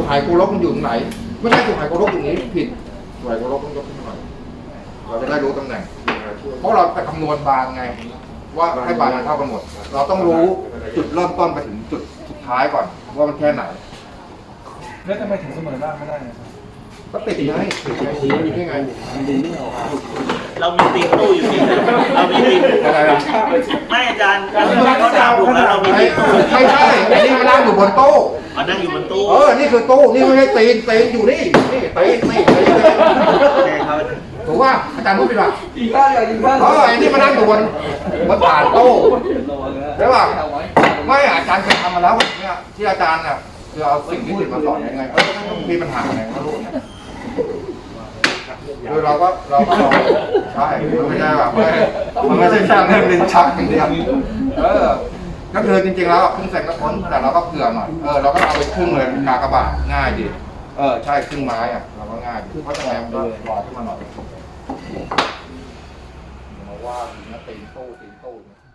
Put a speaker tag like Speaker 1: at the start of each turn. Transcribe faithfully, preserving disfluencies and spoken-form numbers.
Speaker 1: หายโกลกมันอยู่ตรงไหนไม่ใช่จุดหายโกลกตรงนี้ผิดจุดหายโกลกต้องยกขึ้นมาหน่อยเราจะได้รู้ตำแหน่งเพราะเราจะคำนวณบางไงว่าให้บางมันเท่ากันหมดเราต้องรู้จุดเริ่มต้นไปถึงจุดสุดท้ายก่อนว่ามันแค่ไหน
Speaker 2: แล้วทำไมถึงเสมอบ้างไม่ได้
Speaker 1: ก็ติดไงติดไงติดได้ไง
Speaker 3: เรามีตีตู้อยู่นี่เรามีตี
Speaker 1: อะไรล่ะ
Speaker 3: ไม่อาจารย์เขาถามถูกแล้วเรามีตีตู้
Speaker 1: ไม่ใช่อันนี้มันนั่งอยู่บนโต๊ะ
Speaker 3: อ๋อนั่งอยู่บนตู้
Speaker 1: เออนี่คือตู้นี่ไม่ใช่ตีนตีนอยู่นี่นี่ตีนนี่ตีนถูกว่าอาจารย์พูดผิดป่ะ
Speaker 2: อีกบ้านเลยอีกบ้าน
Speaker 1: เอออันนี้มันนั่งอยู่บนบนฐานโต๊ะใช่ป่ะไม่อาจารย์เคยทำมาแล้วเนี่ยที่อาจารย์เนี่ยคือเอาสิ่งที่ติดมาสอนยังไงเออมีปัญหาอะไรก็รู้เนี่ยคือเราก็เราก็ลองใช่ไม่ใช่แบบมันไม่ใช่แค่เรื่องลิ้นชักอย่างเดียวเออก็คือจริงๆแล้วครึ่งเซนก็พ้นแต่เราก็เผื่อหน่อยเออเราก็เอาไปครึ่งเลยกากระบาดง่ายดีเออใช่ครึ่งไม้อ่ะเราก็ง่ายเพราะฉะนั้นก็ลอยขึ้นมาหน่อยมาว่าตีนโต้ตีนโต้